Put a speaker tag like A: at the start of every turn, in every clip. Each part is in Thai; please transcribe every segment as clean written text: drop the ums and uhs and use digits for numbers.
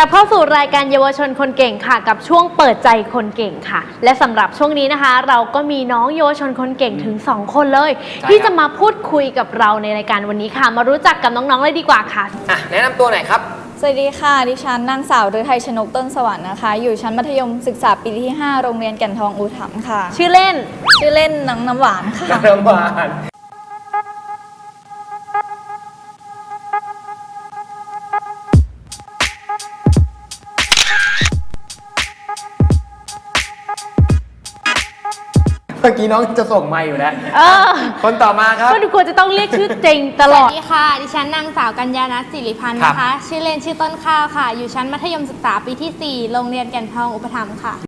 A: กลับเข้าสู่รายการเยาวชนคนเก่งค่ะกับช่วงเปิดใจคนเก่งค่ะและสำหรับช่วงนี้นะคะเราก็มีน้องเยาวชนคนเก่งถึง2คนเลยที่จะมาพูดคุยกับเราในรายการวันนี้ค่ะมารู้จักกับน้องๆเลยดีกว่าค่ะ
B: แนะนำตัวหน่อยครับ
C: สวัสดีค่ะดิฉันนางสาวฤทัยชนกต้นสวรรค์นะคะอยู่ชั้นมัธยมศึกษาปีที่5โรงเรียนแก่นทองอุถัมภ์ค่ะ
A: ชื่อเล่น
C: น้ำหวานค่ะ
B: น้ำหวานเมื่อกี้น้องจะส่งมาอยู่แล้วคนต่อมาครับ
A: ก็ดูควรจะต้องเรียกชื่อจริงตลอด
D: สวัสดีค่ะดิฉันนางสาวกัญญาณัฐศิริพันธ์นะคะชื่อเล่นชื่อต้นข้าวค่ะอยู่ชั้นมัธยมศึกษาปีที่4โรงเรียนแก่นทองอุปถัมภ์ค่ะ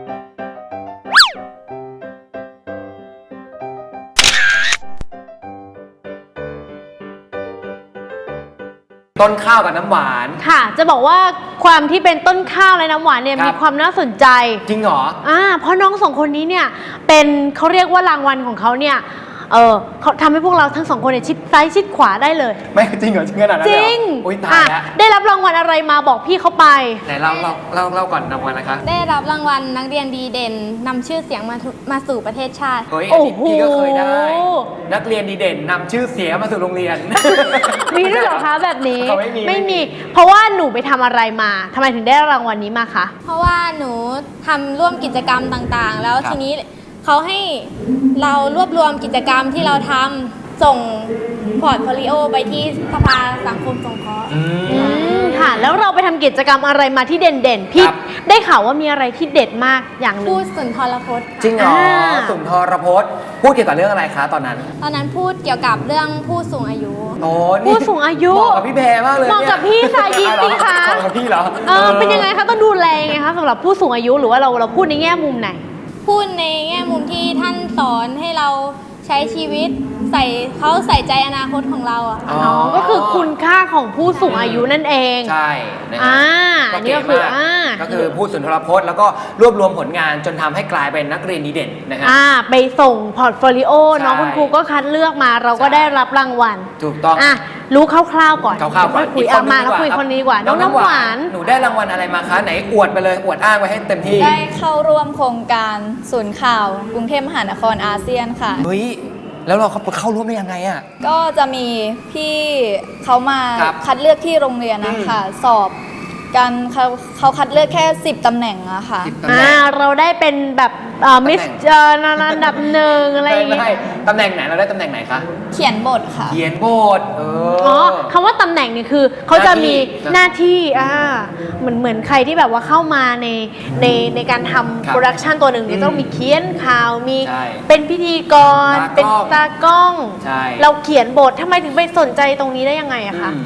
B: ต้นข้าวกับน้ำหวาน
A: ค่ะจะบอกว่าความที่เป็นต้นข้าวและน้ำหวานเนี่ยมีความน่าสนใจ
B: จริงเหรอ
A: เพราะน้องสองคนนี้เนี่ยเป็นเขาเรียกว่ารางวัลของเขาเนี่ยเขาทำให้พวกเราทั้งสองคนเนี่ยชิดซ้ายชิดขวาได้เลย
B: ไม่จริงเหรอจริงขนาดนั้น
A: จริง
B: อุ้ยตายแล้ว
A: ได้รับรางวัลอะไรมาบอกพี่เขาไป
B: ไหนเราก่อนรางวัลนะคะ
D: ได้รับรางวัลนักเรียนดีเด่นนำชื่อเสียงมาสู่ประเทศชาติ
B: โอ้โหพี่ก็เคยได้นักเรียนดีเด่นนำชื่อเสียงมาสู่โรงเรียน
A: มีด้วยเหรอคะแบบนี้ไม่มีเพราะว่าหนูไปทำอะไรมาทำไมถึงได้รางวัลนี้มาคะ
D: เพราะว่าหนูทำร่วมกิจกรรมต่างๆแล้วทีนี้เขาให้เรารวบรวมกิจกรรมที่เราทำส่งพอร์ตโฟลิโอไปที่สภาสังคมสงเคราะห์
A: ค่ะแล้วเราไปทำกิจกรรมอะไรมาที่เด่นๆพี่ได้ข่าวว่ามีอะไรที่เด็ดมากอย่างนึง
D: พูดสุนทรพจน์
B: จริงเหรอสุนทรพจน์พูดเกี่ยวกับเรื่องอะไรคะตอนนั้น
D: พูดเกี่ยวกับเรื่องผู้สูงอายุ
A: ผู้สูงอายุ
B: เหมาะกับพี่แพรมากเลย
A: เหมาะกับพี่สายินสิคะ
B: เหมาะกับพี่เหรอ
A: เป็นยังไงคะต้องดูแลไงคะสำหรับผู้สูงอายุหรือว่าเราพูดในแง่มุมไหน
D: พูดในแง่มุมที่ท่านสอนให้เราใช้ชีวิตเขาใส่ใจอนาคตของเรา
A: ก็คือคุณค่าของผู้สูงอายุนั่นเอง
B: ใช่
A: นี่ก็
B: คือพูดสุนทรพจน์แล้วก็รวบรวมผลงานจนทำให้กลายเป็นนักเรียนดีเด่นนะฮะ
A: ไปส่งพอร์ตโฟลิโอน้องคุณครูก็คัดเลือกมาเราก็ได้รับรางวัล
B: ถูกต้อง
A: รู้คร่าวๆก่อน
B: คุย
A: มาแล้วคุยคนนี้ดีกว่าน้องน้ำหวาน
B: หนูได้รางวัลอะไรมาคะไหนอวดไปเลยอวดอ้างไว้ให้เต็มที่
C: ได้เข้าร่วมโครงการศูนย์ข่าวกรุงเทพมหานครอาเซียนค่ะ
B: เฮ้ยแล้วเราเข้าร่วมได้ยังไง
C: ก็จะมีพี่เขามาคัดเลือกที่โรงเรียนนะคะสอบกันเขาคัดเลือกแค่10ตำแหน่งอะค่ะ
A: เราได้เป็นแบบมิสระดับ1อะไรอย่างเงี้ย
B: ตำแหน่งไหนเราได้ตำแหน่งไหนคะ
C: เขียนบทค่ะ
B: เขียนบท
A: คำว่าตำแหน่งนี่คือเขาจะมีหน้าที่เหมือนใครที่แบบว่าเข้ามาในการทำโปรดักชันตัวหนึ่งเนี่ยต้องมีเขียนข่าวมีเป็นพิธีกรเป็นตากล้องเราเขียนบททำไมถึงไปสนใจตรงนี้ได้ยังไงอะคะ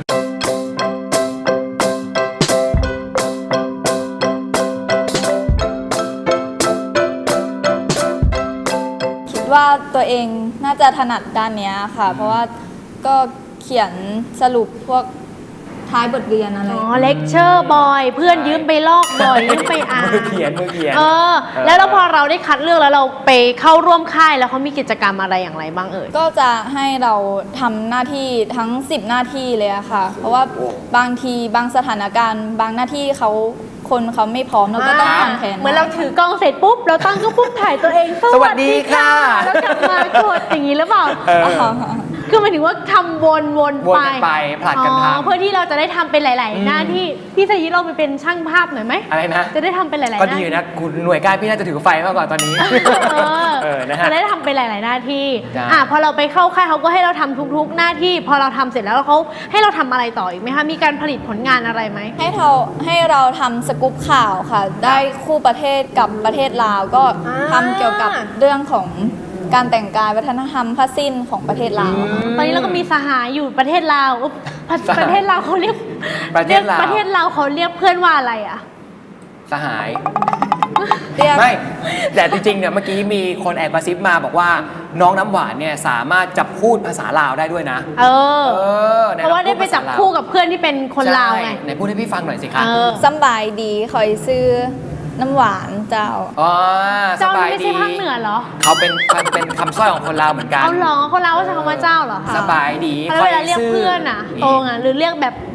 C: ว่าตัวเองน่าจะถนัดด้านนี้ค่ะเพราะว่าก็เขียนสรุปพวกท้ายบทเรียนอะไร
A: เลคเชอร์บอยเพื่อนยืมไปลอกบ่อยยืมไปอ่าน
B: มือเขียน
A: แล้วพอเราได้คัดเลือกแล้วเราไปเข้าร่วมค่ายแล้วเขามีกิจกรรมอะไรอย่างไรบ้าง
C: ก็จะให้เราทำหน้าที่ทั้ง10หน้าที่เลยอะค่ะเพราะว่าบางทีบางสถานการณ์บางหน้าที่คนเขาไม่พร้อมเราก็ต้องทำแทน
A: เหมือนเราถือกล้องเสร็จปุ๊บเราตั้งก็ปุ๊บถ่ายตัวเอง
B: สวัสดีค่ะ
A: แล้วกลับมากดอย่างนี้หรือเปล่าคือหมายถึงว่าทำวน
B: ไปผลัดกันทำ
A: เพื่อที่เราจะได้ทำเป็นหลายๆหน้าที่พี่สยิเราไปเป็นช่างภาพหน่อยไหม
B: อะไรนะ
A: จะได้ทำเป็นหลายๆหน้า
B: ก็ดีนะคุณหน่วยการพี่น่าจะถือไฟมากกว่าตอนนี้
A: จะได้ทำเป็นหลายๆหน้าที่พอเราไปเข้าค่ายเขาก็ให้เราทำทุกๆหน้าที่พอเราทำเสร็จแล้วเขาให้เราทำอะไรต่ออีกไหมคะมีการผลิตผลงานอะไรไหม
C: ให้เราทำสกู๊ปข่าวค่ะได้คู่ประเทศกับประเทศลาวก็ทำเกี่ยวกับเรื่องของการแต่งกายวัฒนธรรมผ้าสิ้นของประเทศลาว
A: ตอนนี้เราก็มีสหายอยู่ประเทศลาวประเทศลาวเขาเรียกประเทศลาวเขาเรียกเพื่อนว่าอะไร
B: สหายไม่แต่จริงๆเนี่ยเมื่อกี้มีคนแอบกระซิบมาบอกว่าน้องน้ำหวานเนี่ยสามารถจับคู่ภาษาลาวได้ด้วยนะ
A: เพราะว่าได้ไปจับคู่กับเพื่อนที่เป็นคนลาวไง
B: ไหนพูดให้พี่ฟังหน่อยสิคะ
C: สบายดีคอยซื้อน้ำหวานเจ้า
A: เจ้าไม่ใช่ภาคเหนือเหรอ
B: เขาเป็นคำสร้อยของคนลาวเหมือนกัน
A: เอาหรอคนลาวก็ใช้คำว่าเจ้าเหรอคะ
B: สบายดี
A: เวลาเรียกเพื่อนโตงหรือเรียกแบบบัก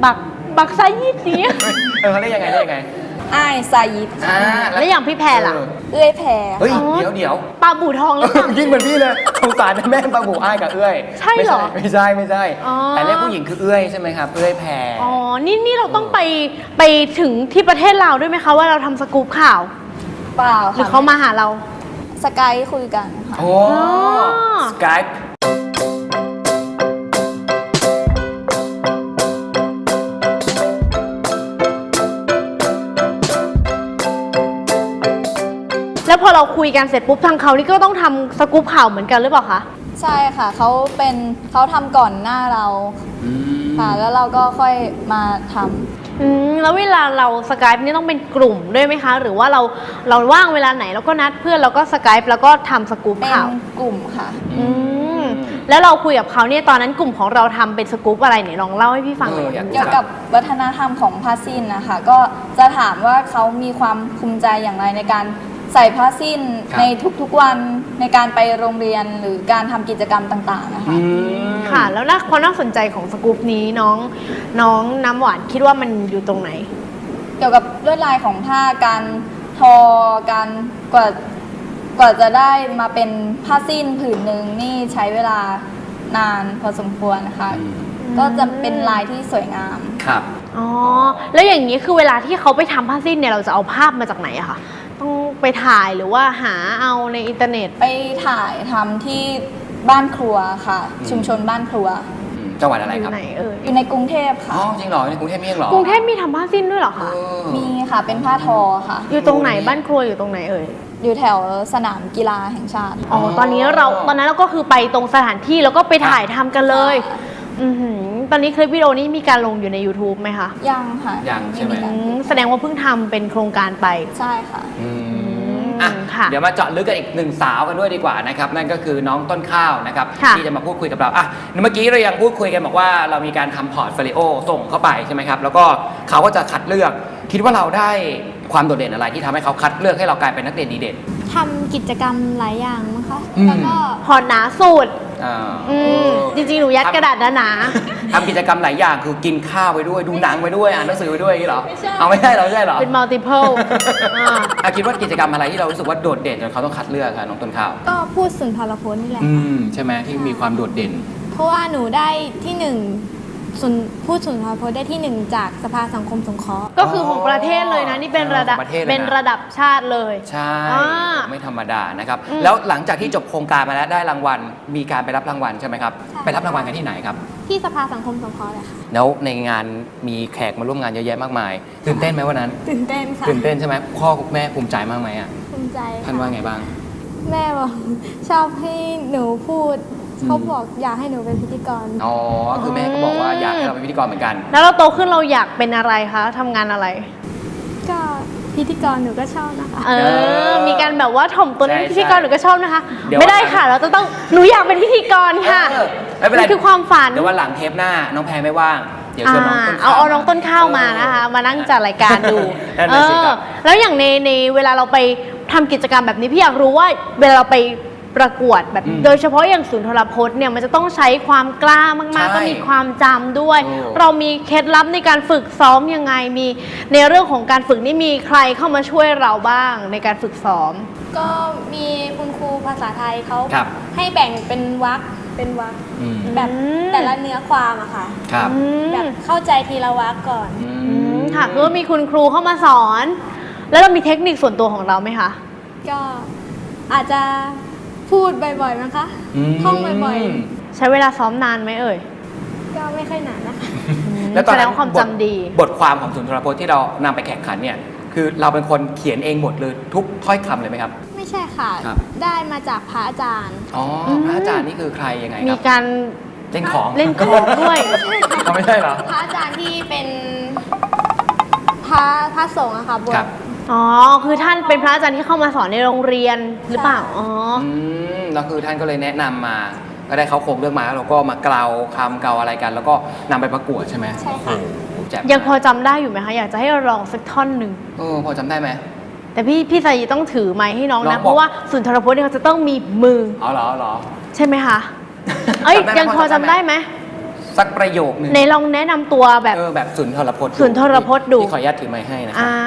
A: บักไซยี่สี
B: เขาเรียกยังไงเรียกยังไง
C: อ้ายซายิด
B: อ่า
A: แล้วอย่างพี่แพรล่ะ
C: เอื้อยแพร
B: เฮ้ย
A: อ๋อ
B: เดี๋ยว
A: ปลาบู่ทองหรือเปล่า
B: ยิ่งเหมือนพี่เลยสงสารแม่ปลาบูอ้ายกับเอื้อย
A: ใช่เหรอ
B: ไม่ใช่
A: อ๋อ
B: แต่เรียกผู้หญิงคือเอื้อยใช่ไหมครับเอื้อยแพร
A: อ๋อ นี่เราต้องไปถึงที่ประเทศลาวด้วยไหมคะว่าเราทำสกู๊ปข่าว
C: เปล่า
A: หรือ
C: ค่ะ
A: เขามาหาเรา
C: สกายคุยกันค่ะ
B: โอ้สกายป์
A: แล้วพอเราคุยกันเสร็จปุ๊บทางเขานี่ก็ต้องทำสกู๊ปข่าวเหมือนกันหรือเปล่าคะ
C: ใช่ค่ะเขาทำก่อนหน้าเราค่ะ แล้วเราก็ค่อยมาทำ
A: แล้วเวลาเราสกายป์นี่ต้องเป็นกลุ่มด้วยไหมคะ หรือว่าเราว่างเวลาไหนเราก็นัดเพื่อนเราก็สกายป์แล้วก็ทำสกู๊ป
C: เป็น
A: ข่าว
C: กลุ่มค่ะ
A: แล้วเราคุยกับเขาเนี่ยตอนนั้นกลุ่มของเราทำเป็นสกู๊ปอะไรเนี่ยลองเล่าให้พี่ฟังหน่อย
B: อยาก
C: เกี่ยวกับวัฒนธรรมของผ้าสิ้นนะคะ ก็จะถามว่าเขามีความภูมิใจอย่างไรในการใส่ผ้าสิ้นในทุกๆวันในการไปโรงเรียนหรือการทำกิจกรรมต่างๆนะคะ
A: ค่ะ แล้วความน่าสนใจของสกู๊ปนี้น้องน้ำหวานคิดว่ามันอยู่ตรงไหน
C: เกี่ยวกับลวดลายของผ้าการทอการกว่าจะได้มาเป็นผ้าสิ้นผืนหนึ่งนี่ใช้เวลานานพอสมควรนะคะ ก็จะเป็นลายที่สวยงาม
B: ครับ
A: อ๋อ แล้วอย่างนี้คือเวลาที่เขาไปทำผ้าสิ้นเนี่ยเราจะเอาภาพมาจากไหนอะคะต้องไปถ่ายหรือว่าหาเอาในอินเทอร์เน็ต
C: ไปถ่ายทำที่บ้านครัวค่ะ ชุมชนบ้านครัว
B: จังหวัดอะไร
A: อ
B: ครั
A: ยู่
B: บ
A: ไหน
C: อยู่ในกรุงเทพ
B: อ๋อ
C: ค่ะ
B: จริงเหรอในกรุงเทพมีเหรอก
A: รุงเทพมีทำผ้าสิ้นด้วยเหรอคะ
C: มีค่ะเป็นผ้าทอค่ะ
A: อยู่ตรงไหนบ้านครัวอยู่ตรงไหนเอ่ย
C: อยู่แถวสนามกีฬาแห่งชาติ
A: อ๋อ ตอนนั้นเราก็คือไปตรงสถานที่แล้วก็ไปถ่ายทำกันเลย ตอนนี้คลิปวิดีโอนี้มีการลงอยู่ใน YouTube ไหมคะ
C: ยังค่ะ
B: ยังใช่ไหม
A: แสดงว่าเพิ่งทำเป็นโครงการไป
C: ใช่ค่ะ
B: อ่ะ
A: ค่ะ
B: เดี๋ยวมาเจาะลึกกันอีกหนึ่งสาวกันด้วยดีกว่านะครับนั่นก็คือน้องต้นข้าวนะครับ
A: ค่ะ
B: ที่จะมาพูดคุยกับเราอ่ะเมื่อกี้เรายังพูดคุยกันบอกว่าเรามีการทำพอร์ตโฟลิโอส่งเข้าไปใช่ไหมครับแล้วก็เขาก็จะคัดเลือกคิดว่าเราได้ความโดดเด่นอะไรที่ทำให้เขาคัดเลือกให้เรากลายเป็นนักเรียนดีเด่น
D: ทำกิจกรรมหลายอย่างมั้งคะ
B: อืม
D: แล้วก็
A: พอหนาสุด
B: อ่า
A: จริงๆ หนูยัดกระดาษหนา
B: ทำกิจกรรมหลายอย่างคือกินข้าวไปด้วยดูหนังไปด้วยอ่านหนังสือไปด้วยอย่างนี้เหรอเอาไม่ใช่เหรอไม่ใช่เหรอ
A: ๆเป็น multiple
B: คิดว่ากิจกรรมอะไรที่เรารู้สึกว่าโดดเด่นจนเขาต้องคัดเลือกคะน้องต้นข้าว
D: ก็พูดสุนทรพจน์นี่แหละ
B: ใช่ไหมที่มีความโดดเด่น
D: เพราะว่าหนูได้ที่หนึ่งพูดสุนทรพจน์ได้ที่หนึ่งจากสภาสังคมสงเคราะห์
A: ก็คือของประเทศเลยนะ นี่เป็นระดับ
B: ของประเทศเลยนะ
A: เป็นระดับชาติเลย
B: ใช่
A: อ่า
B: ไม่ธรรมดานะครับแล้วหลังจากที่จบโครงการมาแล้วได้รางวัลมีการไปรับรางวัลใช่ไหมครับ
D: ใช่
B: ไปรับรางวัลกันที่ไหนครับ
D: ที่สภาสังคมสงเคราะห์เลยค่ะ
B: แล้วในงานมีแขกมาร่วมงานเยอะแยะมากมายตื่นเต้นไหมวันนั้น
D: ตื่นเต้นค่ะ
B: ตื่นเต้นใช่ไหมพ่อแม่ภูมิใจมากไหมอ่ะ
D: ภูมิใจ
B: ท่านว่าไงบ้าง
D: แม่บอกชอบให้หนูพูดเขาบอกอยากให้หนูเป็นพิธีกร
B: อ๋อคือแม่ก็บอกว่าอยากให้เราเป็นพิธีกรเหมือนกัน
A: แล้วเราโตขึ้นเราอยากเป็นอะไรคะทำงานอะไร
D: ก็พิธีกรหนูก็ชอบนะคะ
A: มีการแบบว่าถ่อมตัวเป็น
B: ใช่
A: พิธีกรหนูก็ชอบนะคะ
B: เดี๋ยว
A: ไม่ได้ค่ะ เราจะต้องหนูอยากเป็นพิธีกรค่ะ
B: ไม่เป็นไร
A: มันคือความฝัน
B: เดี๋ยววันหลังเทปหน้าน้องแพรไม่ว่างเดี๋ยวชวนน้องต้นข้าว
A: เอาน้องต้นข้าวมานะคะ มานั่งจัดรายการดู
B: นั่นน่ะสิครับ
A: แล้วอย่างในเวลาเราไปทำกิจกรรมแบบนี้พี่อยากรู้ว่าเวลาเราไปประกวดแบบโดยเฉพาะอย่างศูนย์โทรพจน์เนี่ยมันจะต้องใช้ความกล้ามากๆต้องมีความจำด้วย เรามีเคล็ดลับในการฝึกซ้อมยังไงมีในเรื่องของการฝึกนี่มีใครเข้ามาช่วยเราบ้างในการฝึกซ้อม
D: ก็มีคุณครูภาษาไทยเขา
B: ครับ
D: ให้แบ่งเป็นวรรคแบบแต่ละเนื้อความอะค่ะ
B: ครับ
D: แบบเข้าใจทีละวรรคก่อน
A: ค่ะคือว่ามีคุณครูเข้ามาสอน แล้วเรามีเทคนิคส่วนตัวของเราไหมคะ
D: ก็อาจจะพูดบ่อยๆนะคะท่องบ่อย
A: ใช้เวลาซ้อมนานไหมเอ่ย
D: ๆ ก็ไม่ค่อยนานนะคะ
B: แล้วตอน
A: แสด
B: นั้
A: ง
B: น
A: ว่าความจำดี
B: บทความของศูนย์โทรพจน์ที่เรานำไปแข่งขันเนี่ยคือเราเป็นคนเขียนเองหมดเลยทุกถ้อยคำเลยไหมครับ
D: ไม่ใช่ค่ะ
B: ครับ
D: ได้มาจากพระอาจารย์
B: อ๋อพระอาจารย์นี่คือใครยังไงค
A: มี
B: รับ
A: การ
B: เล่นของ
A: เล่นของด้วย
B: เขาไม่ใช่เหรอ
D: พระอาจารย์ที่เป็นพระสงฆ์อะค่ะบว
B: ครั
D: ช
B: บ
A: อ๋อ คือท่านเป็นพระอาจารย์ที่เข้ามาสอนในโรงเรียนหรือเปล่า อ๋อ
B: แล้วคือท่านก็เลยแนะนำมาก็ได้เขาโครงเรื่องมาแล้วเราก็มาเกลาคำเกลาอะไรกัน แล้วก็นำไปประกวดใช่ไหม
D: ใช่ค่ะ
B: โอ้โหแจ่ม
A: ยังพอจำได้อยู่ไหมคะ อยากจะให้เราลองสักท่อนหนึ่ง
B: พอจำได้ไหม
A: แต่พี่สายีต้องถือไม้ให้น้อง
B: น้อ
A: นะ
B: งบอก
A: เพราะว่าสุนทรพจน์เนี่ยเขาจะต้องมีมือ
B: เอาเหรอ
A: ใช่ไหมคะ เอ้ย
B: จำได้ไหม
A: ยังพอจำได้ไหม
B: สักประโยคหนึ่ง
A: ในลองแนะนำตัวแบบ
B: แบบสุนทรพจน์
A: สุนทรพจน์ดู
B: ที่ขออนุญาตถือไม้ให้นะครั
A: อ่า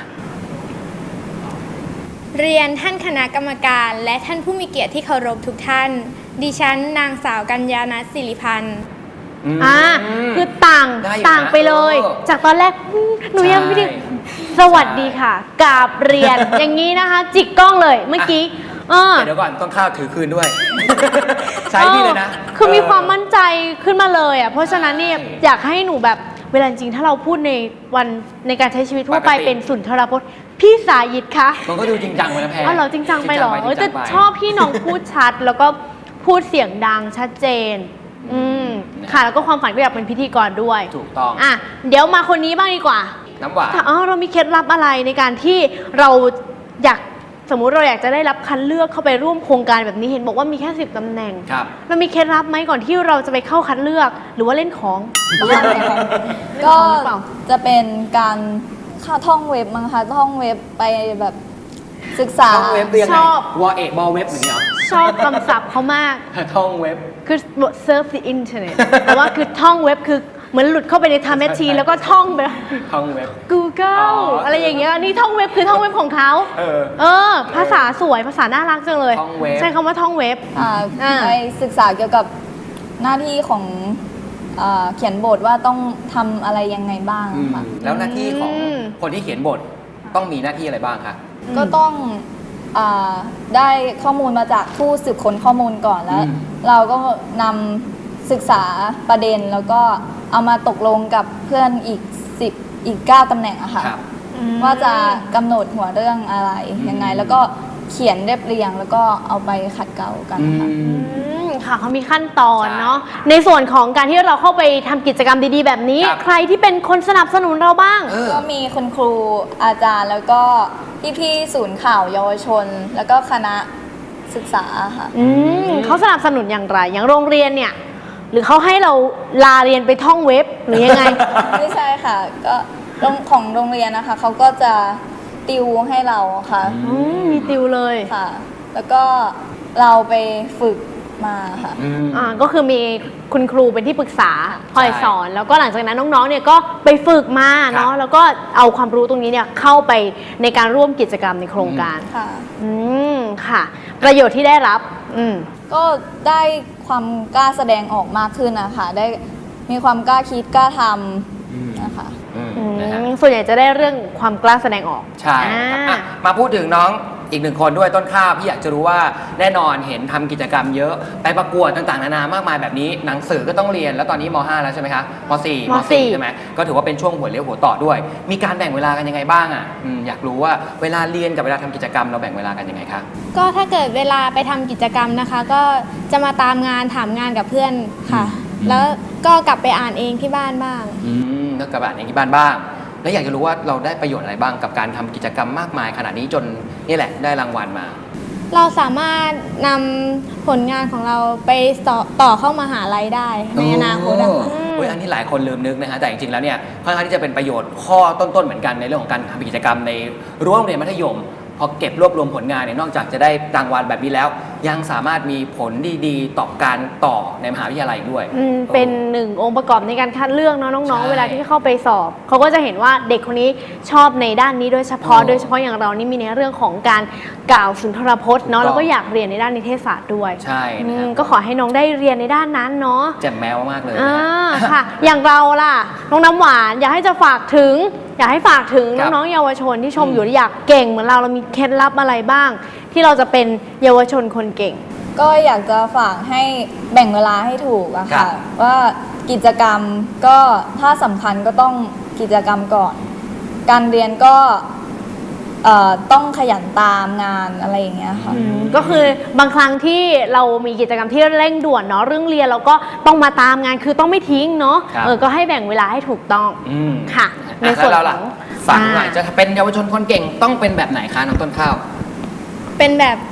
D: เรียนท่านคณะกรรมการ และท่านผู้มีเกียรติที่เคารพทุกท่าน ดิฉันนางสาวกัญญาณัฐศิริพันธ์
A: คือต่าง
B: ได้อยู่นะ
A: ต่างไปเลย จากตอนแรกหนูยังไม่ได้
B: ใช่
A: สวัสดีค่ะกราบเรียน อย่างนี้นะคะ จิกกล้องเลยเมื่อกี้
B: แต่เดี๋ยวก่อนต้องข้าวถือคืนด้วย ใช้นี่เลยนะ
A: คือมีความมั่นใจขึ้นมาเลยอ่ะเพราะฉะนั้นเนี่ยอยากให้หนูแบบเวลาจริงๆถ้าเราพูดในวันในการใช้ชีวิตทั่วไป
B: ปกติ
A: เป็นสุนทรพจน์พี่สายิตคะ
B: มันก็ดูจริงจังไปนะแพร
A: อ๋อเหรอจริงจังไปเหรอ
B: จริงจังไป
A: แต่ชอบพี่น้องพูดชัด แล้วก็พูดเสียงดังชัดเจน ค่ะแล้วก็ความฝันก็อยากเป็นพิธีกรด้วย
B: ถูกต้อง
A: อ่ะเดี๋ยวมาคนนี้บ้างดีกว่า
B: น้ำหวาน
A: เรามีเคล็ดลับอะไรในการที่เราอยากสมมุติเราอยากจะได้รับคัดเลือกเข้าไปร่วมโครงการแบบนี้เห็นบอกว่ามีแค่10ตำแหน่ง
B: ครับ
A: เรามีเคล็ดลับไหมก่อนที่เราจะไปเข้าคัดเลือกหรือว่าเล่นของ
C: ก็จะเป็นการเข้าท่องเว็บมั้งคะท่องเว็บไปแบบศึกษา
B: ท่องเว็บเรียน
A: ชอบ
B: วอเอกบอลเว็บอย่างเงี้ยเหรอ
A: ชอบคำศัพท์เขามาก
B: ท่องเว็บ
A: คือ surf the internet แต่ว่าคือท่องเว็บคือเหมือนหลุดเข้าไปใน time machine แล้วก็ท่องไป
B: ท่องเว็บ
A: Google อะไรอย่างเงี้ยนี่ท่องเว็บคือท่องเว็บของเขา ภาษาสวยภาษาน่ารักจังเลย
B: ท่องเว็บ
A: ใช้คำว่าท่องเว็บ
C: ไปศึกษาเกี่ยวกับหน้าที่ของเขียนบทว่าต้องทำอะไรยังไงบ้างค่ะ
B: แล้วหน้าที่ของ
A: อืม
B: คนที่เขียนบทต้องมีหน้าที่อะไรบ้างคะ
C: ก็ต้องได้ข้อมูลมาจากผู้สืบค้นข้อมูลก่อนแล้ว เราก็นำศึกษาประเด็นแล้วก็เอามาตกลงกับเพื่อนอีก9ตำแหน่งอะค่ะ
B: ครับ
C: ว่าจะกำหนดหัวเรื่องอะไรยังไง แล้วก็เขียนเรียบเรียงแล้วก็เอาไปขัดเกลากันค่ะ
A: ค่ะเขามีขั้นตอนเนาะในส่วนของการที่เราเข้าไปทำกิจกรรมดีๆ แบบนี้
B: ครับ
A: ใครที่เป็นคนสนับสนุนเราบ้าง
C: ก็มีคุณครูอาจารย์แล้วก็พี่ๆศูนย์ข่าวเยาวชน แล้วก็คณะศึกษาค่ะ
A: เขาสนับสนุนอย่างไร อย่างโรงเรียนเนี่ย หรือเขาให้เราลาเรียนไปท่องเว็บหรือยังไง
C: ไม่ใช่ค่ะก็ของโรงเรียนนะคะเขาก็จะติวให้เราค่ะ
A: มีติวเลย
C: ค่ะ แล้วก็เราไปฝึกมาค่ะ
A: ก็คือมีคุณครูเป็นที่ปรึกษาคอยสอน แล้วก็หลังจากนั้นน้องๆเนี่ยก็ไปฝึกมาเนาะแล้วก็เอาความรู้ตรงนี้เนี่ยเข้าไปในการร่วมกิจกรรมในโครงการ
C: ค่ะ
A: ค่ะ ประโยชน์ที่ได้รับ
C: ก็ได้ความกล้าแสดงออกมากขึ้นนะคะได้มีความกล้าคิดกล้าทำนะคะ
B: นะฮะ
A: ส่วนใหญ่จะได้เรื่องความกล้าแสดงออก
B: ใช่ครับอ่ะมาพูดถึงน้องอีกหนึ่งคนด้วยต้นข้าวพี่อยากจะรู้ว่าแน่นอนเห็นทำกิจกรรมเยอะไปประกวดต่างๆนานามากมายแบบนี้หนังสือก็ต้องเรียนแล้วตอนนี้ม .5 แล้วใช่ไหมคะม .4
A: ม
B: .4 ใช่ไหมก็ถือว่าเป็นช่วงหัวเลี้ยวหัวต่อด้วย มีการแบ่งเวลากันยังไงบ้างอ่ะอยากรู้ว่าเวลาเรียนกับเวลาทำกิจกรรมเราแบ่งเวลากันยังไงคะ
D: ก็ถ้าเกิดเวลาไปทำกิจกรรมนะคะ ก็จะมาตามงานถามงานกับเพื่อนค่ะ แล้วก็กลับไปอ่านเองที่บ้านบ้าง
B: แล้วกับอ่านเองที่บ้านบ้าง แล้วอยากจะรู้ว่าเราได้ประโยชน์อะไรบ้างกับการทำกิจกรรมมากมายขนาดนี้จนนี่แหละได้รางวัลมา
D: เราสามารถนำผลงานของเราไปต่อเข้ามหาลัยได้ในอนาคตอะค่ะ
B: อันนี้หลายคนลืมนึกนะฮะแต่จริงๆแล้วเนี่ยค่อนข้างที่จะเป็นประโยชน์ข้อต้นๆเหมือนกันในเรื่องของการทำกิจกรรมในรั้วโรงเรียนมัธยมพอเก็บรวบรวมผลงานเนี่ยนอกจากจะได้รางวัลแบบนี้แล้ว ยังสามารถมีผลดีๆต่อการต่อในมหาวิทยาลัยด้วย
A: เป็นหนึ่งองค์ประกอบในการคัดเลือกเนาะน้อง
B: ใช่
A: ๆเวลาที่เข้าไปสอบเขาก็จะเห็นว่าเด็กคนนี้ชอบในด้านนี้โดยเฉพาะอย่างเรานี่มีในเรื่องของการกล่าวสุนทรพจน์เนาะแล้วก็อยากเรียนในด้านนิเทศศาสตร์ด้วย
B: ใช่นะครับ
A: ก็ขอให้น้องได้เรียนในด้านนั้นเนาะ
B: แจ่มแมวมากเลยนะฮะ
A: ค่ะ อย่างเราล่ะน้องน้ำหวานอยากให้ฝากถึงน้องๆเยาวชนที่ชมอยู่อยากเก่งเหมือนเรามีเคล็ดลับอะไรบ้าง ที่เราจะเป็นเยาวชนคนเก่ง
C: ก็อยากจะฝากให้แบ่งเวลาให้ถูกอะ
B: ครั
C: ค่ะ
B: บ
C: ว่ากิจกรรมก็ถ้าสำคัญก็ต้องกิจกรรมก่อน การเรียนก็ต้องขยันตามงานอะไรอย่างเงี้ยค่ะ
A: ก็คือบางครั้งที่เรามีกิจกรรมที่เร่งด่วนเนาะเรื่องเรียนเราก็ต้องมาตามงานคือต้องไม่ทิ้งเนาะ
B: ครับ
A: ก็ให้แบ่งเวลาให้ถูกต้อง ค่ะ ใน
B: ใน
A: ส่วน
B: เรา
A: ข
B: ล่ะ
A: อง
B: ฝากหน่อยจะเป็นเยาวชนคนเก่งต้องเป็นแบบไหนคะน้องต้นข้าว
D: เป็นแบบ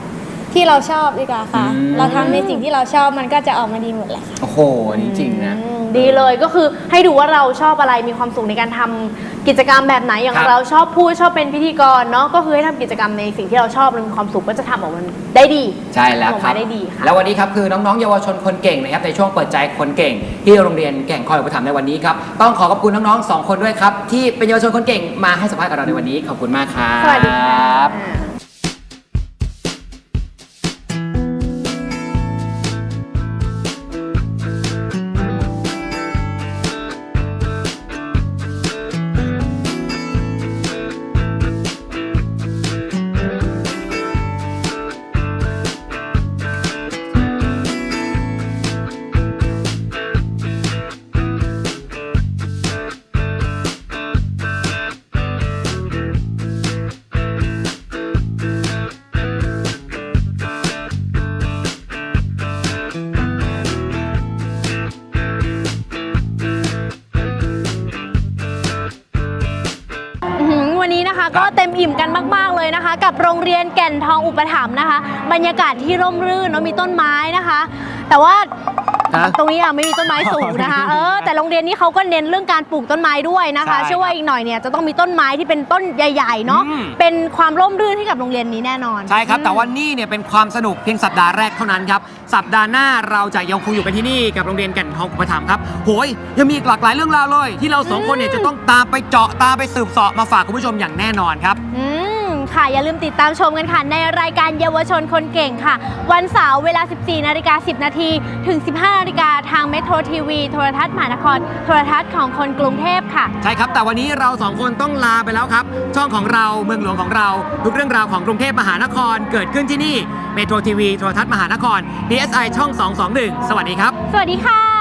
D: ที่เราชอบดีกว่าค่ะ
B: อืม
D: เราทำในสิ่งที่เราชอบมันก็จะออกมาดีหมดแหละค่ะ
B: โอ้โหจริงๆนะ
A: ดีเลยก็คือให้ดูว่าเราชอบอะไรมีความสุขในการทำกิจกรรมแบบไหนอย่าง
B: ครับ
A: เราชอบพูดชอบเป็นพิธีกรเนาะก็คือให้ทำกิจกรรมในสิ่งที่เราชอบและมีความสุขก็จะทำออกมาได้ดี
B: ใช่แล้ว
A: ทำออก
B: ครั
A: มา
B: บ
A: ได้ดีค่ะ
B: แล้ววันนี้ครับคือน้องๆเยาวชนคนเก่งนะครับในช่วงเปิดใจคนเก่ง ที่โรงเรียนแก่งคอยอุปถัมภ์ในวันนี้ครับต้องขอขอบคุณน้องๆ2คนด้วยครับที่เป็นเยาวชนคนเก่งมาให้สัมภาษณ์กับเราในวันนี้ขอบคุณมากครับ
A: สวัสดีค่ะ วันนี้นะคะก็เต็มอิ่มกันมากๆเลยนะคะ กับโรงเรียนแก่นทองอุปถัมภ์นะคะ บรรยากาศที่ร่มรื่นเนาะมีต้นไม้นะคะ แต่ว่า
B: ฮะ
A: ตรงนี้ไม่มีต้นไม้สูงนะคะแต่โรงเรียนนี้เขาก็เน้นเรื่องการปลูกต้นไม้ด้วยนะคะ
B: ใช่
A: เชื่อว่าอีกหน่อยเนี่ยจะต้องมีต้นไม้ที่เป็นต้นใหญ่ๆเนาะ
B: อืม
A: เป็นความร่มรื่นให้กับโรงเรียนนี้แน่นอน
B: ใช่ครับ แต่ว่านี่เนี่ยเป็นความสนุกเพียงสัปดาห์แรกเท่านั้นครับสัปดาห์หน้าเราจะยังคงอยู่กันที่นี่กับโรงเรียนแก่นทองอุปถัมภ์ครับโหยยังมีอีกหลากหลายเรื่องราวเลย ที่เราสองคนเนี่ยจะต้องตามไปเจาะตามไปสืบเสาะมาฝากคุณผู้ชมอย่างแน่นอนครับ
A: ค่ะอย่าลืมติดตามชมกันค่ะในรายการเยาวชนคนเก่งค่ะ วันเสาร์เวลา 14:10 นถึง 15 นาฬิกาทางเมโทรทีวีโทรทัศน์มหานครโทรทัศน์ของคนกรุงเทพค่ะ
B: ใช่ครับ แต่วันนี้เราสองคนต้องลาไปแล้วครับ ช่องของเราเมืองหลวงของเรา ทุกเรื่องราวของกรุงเทพมหานครเกิดขึ้นที่นี่เมโทรทีวีโทรทัศน์มหานคร PSI ช่อง 221 สวัสดีครับ
A: สวัสดีค่ะ